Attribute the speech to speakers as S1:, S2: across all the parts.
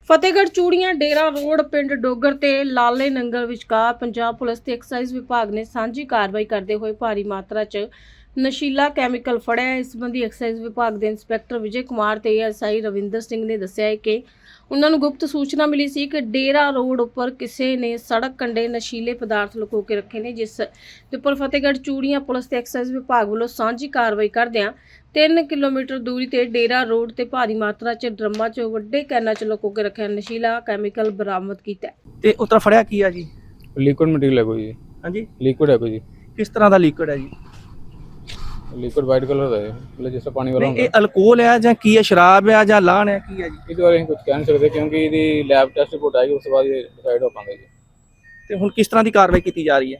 S1: Fatehgarh Churian Dera road ਪਿੰਡ ਡੋਗਰ ਤੇ ਲਾਲੇ ਨੰਗਲ ਵਿਚਕਾਰ ਪੰਜਾਬ ਪੁਲਿਸ ਤੇ ਐਕਸਾਈਜ਼ ਵਿਭਾਗ ਨੇ ਸਾਂਝੀ ਕਾਰਵਾਈ ਕਰਦੇ ਹੋਏ ਭਾਰੀ ਮਾਤਰਾ 'ਚ ਨਸ਼ੀਲਾ ਕੈਮੀਕਲ ਫੜਿਆ ਹੈ। ਇਸ ਸੰਬੰਧੀ ਐਕਸਾਈਜ਼ ਵਿਭਾਗ ਦੇ ਇੰਸਪੈਕਟਰ ਵਿਜੇ ਕੁਮਾਰ ਤੇ ਐਸਆਈ ਰਵਿੰਦਰ ਸਿੰਘ ਨੇ ਦੱਸਿਆ ਹੈ ਕਿ ਉਹਨਾਂ ਨੂੰ ਗੁਪਤ ਸੂਚਨਾ ਮਿਲੀ ਸੀ ਕਿ ਡੇਰਾ ਰੋਡ ਉੱਪਰ ਕਿਸੇ ਨੇ ਸੜਕ ਕੰਢੇ ਨਸ਼ੀਲੇ ਪਦਾਰਥ ਲੁਕੋ ਕੇ ਰੱਖੇ ਨੇ, ਜਿਸ ਦੇ ਉੱਪਰ ਫਤਿਹਗੜ੍ਹ ਚੂੜੀਆਂ ਪੁਲਿਸ ਤੇ ਐਕਸਾਈਜ਼ ਵਿਭਾਗ ਵੱਲੋਂ ਸਾਂਝੀ ਕਾਰਵਾਈ ਕਰਦਿਆਂ 3 ਕਿਲੋਮੀਟਰ ਦੂਰੀ ਤੇ ਡੇਰਾ ਰੋਡ ਤੇ ਭਾਰੀ ਮਾਤਰਾ 'ਚ ਡਰਮਾਂ 'ਚ ਵੱਡੇ ਕੈਨਾਂ 'ਚ ਲੁਕੋ ਕੇ ਰੱਖਿਆ ਨਸ਼ੀਲਾ ਕੈਮੀਕਲ ਬਰਾਮਦ ਕੀਤਾ ਹੈ।
S2: ਤੇ ਉਤਰਾ ਫੜਿਆ ਕੀ ਆ ਜੀ?
S3: ਲਿਕੁਇਡ ਮਟੀਰੀਅਲ ਹੈ ਕੋਈ ਜੀ।
S2: ਹਾਂਜੀ,
S3: ਲਿਕੁਇਡ ਹੈ ਕੋਈ ਜੀ।
S2: ਕਿਸ ਤਰ੍ਹਾਂ ਦਾ ਲਿਕਵਿਡ ਹੈ ਜੀ?
S3: ਲਿਕੁਇਡ ਵਾਈਟ ਕਲਰ ਦਾ ਹੈ, मतलब ਜਿਸ ਪਾਣੀ ਵਾਲਾ
S2: ਨਹੀਂ, ਇਹ ਅਲਕੋਹਲ ਹੈ ਜਾਂ ਕੀ ਹੈ? ਸ਼ਰਾਬ ਹੈ ਜਾਂ ਲਾਹਣ ਹੈ, ਕੀ ਹੈ ਜੀ?
S3: ਇਹਦੇ ਬਾਰੇ ਅਸੀਂ ਕੁਝ ਕਹਿ ਨਹੀਂ ਸਕਦੇ ਕਿਉਂਕਿ ਇਹਦੀ ਲੈਬ ਟੈਸਟ ਰਿਪੋਰਟ ਆਏਗੀ, ਉਸ ਤੋਂ ਬਾਅਦ ਇਹ ਡਿਸਾਈਡ ਹੋ ਪਾਂਗੇ ਜੀ।
S2: ਤੇ ਹੁਣ ਕਿਸ ਤਰ੍ਹਾਂ ਦੀ ਕਾਰਵਾਈ ਕੀਤੀ ਜਾ ਰਹੀ ਹੈ?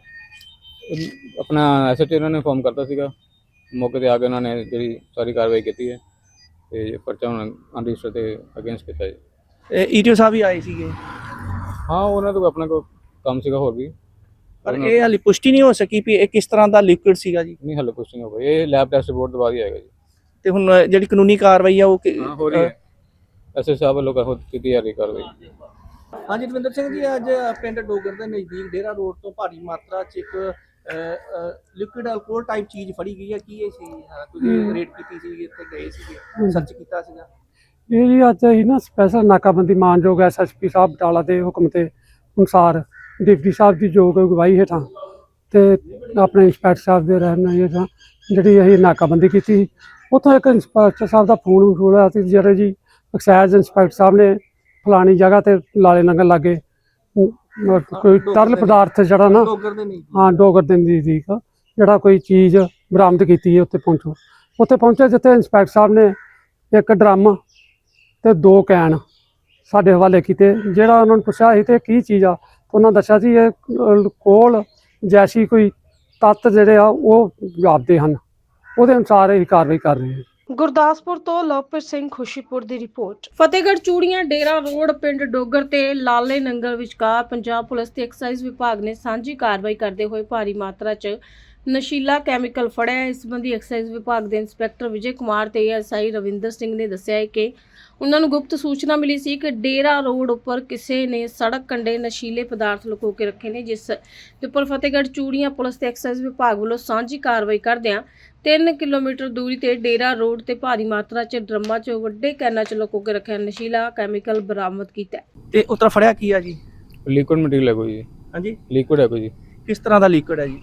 S3: ਆਪਣਾ ਐਸਐਚਓ ਇਹਨਾਂ ਨੇ ਇਨਫੋਰਮ ਕਰਤਾ ਸੀਗਾ, ਮੌਕੇ ਤੇ ਆ ਕੇ ਉਹਨਾਂ ਨੇ ਜਿਹੜੀ ਸਾਰੀ ਕਾਰਵਾਈ ਕੀਤੀ ਹੈ ਤੇ ਪਰਚਾ ਹੁਣ ਅਨਰਜਿਸਟਰ ਤੇ ਅਗੇਂਸਟ ਕੀਤਾ ਜੀ।
S2: ਈਟੀਓ ਸਾਹਿਬ ਵੀ ਆਏ ਸੀਗੇ,
S3: ਹਾਂ, ਉਹਨਾਂ ਤੋਂ ਆਪਣਾ ਕੋਈ ਕੰਮ ਸੀਗਾ ਹੋਰ ਵੀ,
S2: ਪਰ ਇਹ ਹਾਲੇ ਪੁਸ਼ਟੀ ਨਹੀਂ ਹੋ ਸਕੀ ਵੀ ਇਹ ਕਿਸ ਤਰ੍ਹਾਂ ਦਾ ਲਿਕਵਿਡ ਸੀਗਾ ਜੀ।
S3: ਨਹੀਂ ਹਲੇ ਕੁਝ ਨਹੀਂ ਹੋ ਗਿਆ। ਇਹ ਲੈਬ ਟੈਸਟ ਰਿਪੋਰਟ ਤੋਂ ਬਾਅਦ ਹੀ ਆਏਗਾ ਜੀ।
S2: ਤੇ ਹੁਣ ਜਿਹੜੀ ਕਾਨੂੰਨੀ ਕਾਰਵਾਈ ਆ ਉਹ
S3: ਹਾਂ, ਹੋ ਰਹੀ ਹੈ। ਐਸਐਚਓ ਸਾਹਿਬ ਵੱਲੋਂ ਕੀਤੀ ਜਾ ਰਹੀ ਕਾਰਵਾਈ।
S2: ਹਾਂਜੀ, ਰਵਿੰਦਰ ਸਿੰਘ ਜੀ, ਅੱਜ ਪਿੰਡ ਡੋਗਰ ਦੇ ਨਜ਼ਦੀਕ ਡੇਰਾ ਰੋਡ ਤੋਂ ਭਾਰੀ ਮਾਤਰਾ 'ਚ ਇੱਕ ਲਿਕਵਿਡ ਅਲਕੋਹਲ ਟਾਈਪ ਚੀਜ਼ ਫੜੀ ਗਈ ਹੈ। ਕੀ ਇਹ ਸੀ? ਤੁਸੀਂ ਰੇਡ ਕੀਤੀ ਸੀ, ਇੱਥੇ ਗਏ ਸੀਗੇ, ਸਰਚ ਕੀਤਾ ਸੀਗਾ?
S4: ਇਹ ਜੀ ਅੱਜ ਅਸੀਂ ਨਾ ਸਪੈਸ਼ਲ ਨਾਕਾਬੰਦੀ ਮਾਨਯੋਗ ਐਸਐਸਪੀ ਸਾਹਿਬ ਬਟਾਲਾ ਦੇ ਹੁਕਮ ਤੇ ਅਨੁਸਾਰ ਡਿਪਟੀ ਸਾਹਿਬ ਦੀ ਯੋਗ ਅਗਵਾਈ ਹੇਠਾਂ ਤੇ ਆਪਣੇ ਇੰਸਪੈਕਟਰ ਸਾਹਿਬ ਦੇ ਰਹਿਨੁਮਾਈ ਹੇਠਾਂ ਜਿਹੜੀ ਅਸੀਂ ਨਾਕਾਬੰਦੀ ਕੀਤੀ। ਉੱਥੋਂ ਇੱਕ ਇੰਸਪੈਕਟਰ ਸਾਹਿਬ ਦਾ ਫੋਨ ਵਸੂਲ ਹੋਇਆ ਸੀ, ਜਿਹੜੇ ਜੀ ਐਕਸਾਈਜ਼ ਇੰਸਪੈਕਟਰ ਸਾਹਿਬ ਨੇ ਫਲਾਣੀ ਜਗ੍ਹਾ ਤੇ ਲਾਲੇ ਨੰਗਲ ਲਾਗੇ ਕੋਈ ਤਰਲ ਪਦਾਰਥ ਜਿਹੜਾ ਨਾ
S2: ਡੋਗਰ ਦੇ ਨਹੀਂ?
S4: ਹਾਂ, ਡੋਗਰ ਦੇ ਨਜ਼ਦੀਕ ਜਿਹੜਾ ਕੋਈ ਚੀਜ਼ ਬਰਾਮਦ ਕੀਤੀ ਹੈ। ਉੱਥੇ ਪਹੁੰਚੇ ਜਿੱਥੇ ਇੰਸਪੈਕਟਰ ਸਾਹਿਬ ਨੇ ਇੱਕ ਡਰਮ ਤੇ 2 ਕੈਨ ਸਾਡੇ ਹਵਾਲੇ ਕੀਤੇ। ਜਿਹੜਾ ਉਹਨਾਂ ਨੂੰ ਪੁੱਛਿਆ ਸੀ ਤੇ ਕੀ ਚੀਜ਼ ਆ, ਉਹਨਾਂ ਦੱਸਿਆ ਸੀ ਇਹ ਅਲਕੋਹਲ ਜੈਸੀ ਕੋਈ ਤੱਤ ਜਿਹੜੇ ਆ ਉਹ ਜਾਪਦੇ ਹਨ। ਉਹਦੇ ਅਨੁਸਾਰ ਇਹ ਕਾਰਵਾਈ ਕਰ ਰਹੇ ਹਾਂ।
S1: ਗੁਰਦਾਸਪੁਰ ਤੋਂ ਲਵਪ੍ਰੀਤ ਸਿੰਘ ਖੁਸ਼ੀਪੁਰ ਦੀ ਰਿਪੋਰਟ। ਫਤਿਹਗੜ੍ਹ ਚੂੜੀਆਂ ਡੇਰਾ ਰੋਡ ਪਿੰਡ ਡੋਗਰ ਤੇ ਲਾਲੇ ਨੰਗਲ ਵਿਚਕਾਰ ਪੰਜਾਬ ਪੁਲਿਸ ਤੇ ਐਕਸਾਈਜ਼ ਵਿਭਾਗ ਨੇ ਸਾਂਝੀ ਕਾਰਵਾਈ ਕਰਦੇ ਹੋਏ ਭਾਰੀ ਮਾਤਰਾ 'ਚ ਨਸ਼ੀਲਾ ਕੈਮੀਕਲ ਫੜਿਆ ਹੈ। ਇਸ ਸੰਬੰਧੀ ਐਕਸਾਈਜ਼ ਵਿਭਾਗ ਦੇ ਇੰਸਪੈਕਟਰ ਵਿਜੇ ਕੁਮਾਰ ਤੇ ਐਸਆਈ ਰਵਿੰਦਰ ਸਿੰਘ ਨੇ ਦੱਸਿਆ ਹੈ ਕਿ ਉਹਨਾਂ ਨੂੰ ਗੁਪਤ ਸੂਚਨਾ ਮਿਲੀ ਸੀ ਕਿ ਡੇਰਾ ਰੋਡ ਉੱਪਰ ਕਿਸੇ ਨੇ ਸੜਕ ਕੰਢੇ ਨਸ਼ੀਲੇ ਪਦਾਰਥ ਲੁਕੋ ਕੇ ਰੱਖੇ ਨੇ, ਜਿਸ ਦੇ ਉੱਪਰ ਫਤਿਹਗੜ੍ਹ ਚੂੜੀਆਂ ਪੁਲਿਸ ਤੇ ਐਕਸਾਈਜ਼ ਵਿਭਾਗ ਵੱਲੋਂ ਸਾਂਝੀ ਕਾਰਵਾਈ ਕਰਦਿਆਂ 3 ਕਿਲੋਮੀਟਰ ਦੂਰੀ ਤੇ ਡੇਰਾ ਰੋਡ ਤੇ ਭਾਰੀ ਮਾਤਰਾ 'ਚ ਡਰਮਾਂ 'ਚ ਵੱਡੇ ਕੈਨਾਂ 'ਚ ਲੁਕੋ ਕੇ ਰੱਖਿਆ ਨਸ਼ੀਲਾ ਕੈਮੀਕਲ ਬਰਾਮਦ ਕੀਤਾ ਹੈ।
S2: ਤੇ ਉਤਰਾ ਫੜਿਆ ਕੀ ਆ ਜੀ?
S3: ਲਿਕੁਇਡ ਮਟੀਰੀਅਲ ਹੈ ਕੋਈ ਜੀ।
S2: ਹਾਂਜੀ,
S3: ਲਿਕੁਇਡ ਹੈ ਕੋਈ ਜੀ।
S2: ਕਿਸ ਤਰ੍ਹਾਂ ਦਾ ਲਿਕਵਿਡ ਹੈ ਜੀ?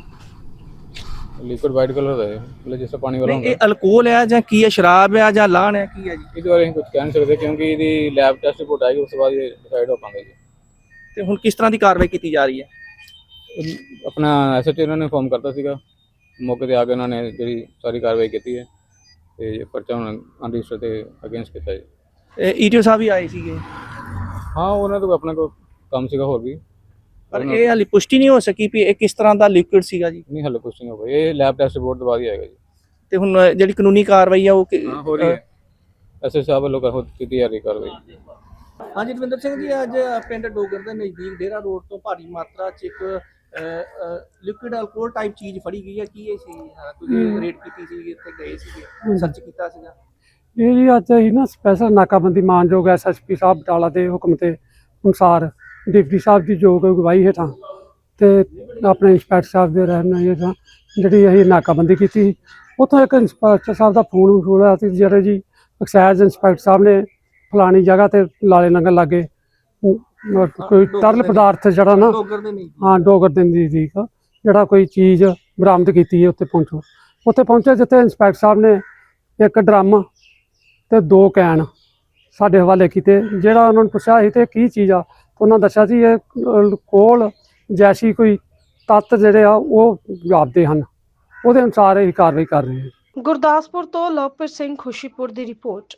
S3: ਲਿਕੁਇਡ ਵਾਈਟ ਕਲਰ ਦਾ ਹੈ, मतलब ਜਿਸ ਪਾਣੀ ਵਾਲਾ
S2: ਨਹੀਂ, ਇਹ ਅਲਕੋਹਲ ਹੈ ਜਾਂ ਕੀ ਹੈ? ਸ਼ਰਾਬ ਹੈ ਜਾਂ ਲਾਹਣ ਹੈ, ਕੀ ਹੈ ਜੀ?
S3: ਇਹਦੇ ਬਾਰੇ ਅਸੀਂ ਕੁਝ ਕਹਿ ਨਹੀਂ ਸਕਦੇ ਕਿਉਂਕਿ ਇਹਦੀ ਲੈਬ ਟੈਸਟ ਰਿਪੋਰਟ ਆਏਗੀ, ਉਸ ਤੋਂ ਬਾਅਦ ਇਹ ਡਿਸਾਈਡ ਹੋ ਪਾਂਗੇ ਜੀ।
S2: ਤੇ ਹੁਣ ਕਿਸ ਤਰ੍ਹਾਂ ਦੀ ਕਾਰਵਾਈ ਕੀਤੀ ਜਾ ਰਹੀ ਹੈ?
S3: ਆਪਣਾ ਐਸਐਚਓ ਇਹਨਾਂ ਨੇ ਇਨਫੋਰਮ ਕਰਤਾ ਸੀਗਾ, ਮੌਕੇ ਤੇ ਆ ਕੇ ਉਹਨਾਂ ਨੇ ਜਿਹੜੀ ਸਾਰੀ ਕਾਰਵਾਈ ਕੀਤੀ ਹੈ ਤੇ ਪਰਚਾ ਹੁਣ ਅਨਰਜਿਸਟਰ ਤੇ ਅਗੇਂਸਟ ਕੀਤਾ ਜੀ।
S2: ਈਟੀਓ ਸਾਹਿਬ ਵੀ ਆਏ ਸੀਗੇ,
S3: ਹਾਂ, ਉਹਨਾਂ ਤੋਂ ਆਪਣਾ ਕੋਈ ਕੰਮ ਸੀਗਾ ਹੋਰ ਵੀ,
S2: ਪਰ ਇਹ ਹਾਲੇ ਪੁਸ਼ਟੀ ਨਹੀਂ ਹੋ ਸਕੀ ਵੀ ਇਹ ਕਿਸ ਤਰ੍ਹਾਂ ਦਾ ਲਿਕਵਿਡ ਸੀਗਾ ਜੀ।
S3: ਨਹੀਂ ਹਲੇ ਕੁਝ ਨਹੀਂ ਹੋ ਗਿਆ। ਇਹ ਲੈਬ ਟੈਸਟ ਰਿਪੋਰਟ ਤੋਂ ਬਾਅਦ ਹੀ ਆਏਗਾ ਜੀ।
S2: ਤੇ ਹੁਣ ਜਿਹੜੀ ਕਾਨੂੰਨੀ ਕਾਰਵਾਈ ਆ ਉਹ
S3: ਹਾਂ, ਹੋ ਰਹੀ ਹੈ। ਐਸਐਚਓ ਸਾਹਿਬ ਵੱਲੋਂ ਕੀਤੀ ਜਾ ਰਹੀ ਕਾਰਵਾਈ।
S2: ਹਾਂਜੀ, ਰਵਿੰਦਰ ਸਿੰਘ ਜੀ, ਅੱਜ ਪਿੰਡ ਡੋਗਰ ਦੇ ਨਜ਼ਦੀਕ ਡੇਰਾ ਰੋਡ ਤੋਂ ਭਾਰੀ ਮਾਤਰਾ 'ਚ ਇੱਕ ਲਿਕਵਿਡ ਅਲਕੋਹਲ ਟਾਈਪ ਚੀਜ਼ ਫੜੀ ਗਈ ਹੈ। ਕੀ ਇਹ ਸੀ? ਤੁਸੀਂ ਰੇਡ ਕੀਤੀ ਸੀ, ਇੱਥੇ ਗਏ ਸੀਗੇ, ਸਰਚ ਕੀਤਾ ਸੀਗਾ?
S4: ਇਹ ਜੀ ਅੱਜ ਅਸੀਂ ਨਾ ਸਪੈਸ਼ਲ ਨਾਕਾਬੰਦੀ ਮਾਨਯੋਗ ਐਸਐਸਪੀ ਸਾਹਿਬ ਬਟਾਲਾ ਦੇ ਹੁਕਮ ਤੇ ਅਨੁਸਾਰ ਡਿਪਟੀ ਸਾਹਿਬ ਦੀ ਯੋਗ ਅਗਵਾਈ ਹੇਠਾਂ ਤੇ ਆਪਣੇ ਇੰਸਪੈਕਟਰ ਸਾਹਿਬ ਦੇ ਰਹਿਨੁਮਾਈ ਹੇਠਾਂ ਜਿਹੜੀ ਅਸੀਂ ਨਾਕਾਬੰਦੀ ਕੀਤੀ। ਉੱਥੋਂ ਇੱਕ ਇੰਸਪੈਕਟਰ ਸਾਹਿਬ ਦਾ ਫੋਨ ਵਸੂਲ ਹੋਇਆ ਸੀ, ਜਿਹੜੇ ਜੀ ਐਕਸਾਈਜ਼ ਇੰਸਪੈਕਟਰ ਸਾਹਿਬ ਨੇ ਫਲਾਣੀ ਜਗ੍ਹਾ ਤੇ ਲਾਲੇ ਨੰਗਲ ਲਾਗੇ ਕੋਈ ਤਰਲ ਪਦਾਰਥ ਜਿਹੜਾ ਨਾ
S2: ਡੋਗਰ ਦੇ ਨਹੀਂ?
S4: ਹਾਂ, ਡੋਗਰ ਦੇ ਨਜ਼ਦੀਕ ਜਿਹੜਾ ਕੋਈ ਚੀਜ਼ ਬਰਾਮਦ ਕੀਤੀ ਹੈ। ਉੱਥੇ ਪਹੁੰਚੇ ਜਿੱਥੇ ਇੰਸਪੈਕਟਰ ਸਾਹਿਬ ਨੇ ਇੱਕ ਡਰਮ ਤੇ 2 ਕੈਨ ਸਾਡੇ ਹਵਾਲੇ ਕੀਤੇ। ਜਿਹੜਾ ਉਹਨਾਂ ਨੂੰ ਪੁੱਛਿਆ ਸੀ ਤੇ ਕੀ ਚੀਜ਼ ਆ, ਉਹਨਾਂ ਦੱਸਿਆ ਸੀ ਇਹ ਅਲਕੋਹਲ ਜੈਸੀ ਕੋਈ ਤੱਤ ਜਿਹੜੇ ਆ ਉਹ ਜਾਪਦੇ ਹਨ। ਉਹਦੇ ਅਨੁਸਾਰ ਇਹ ਕਾਰਵਾਈ ਕਰ ਰਹੇ ਹਾਂ।
S1: ਗੁਰਦਾਸਪੁਰ ਤੋਂ ਲਵਪ੍ਰੀਤ ਸਿੰਘ ਖੁਸ਼ੀਪੁਰ ਦੀ ਰਿਪੋਰਟ।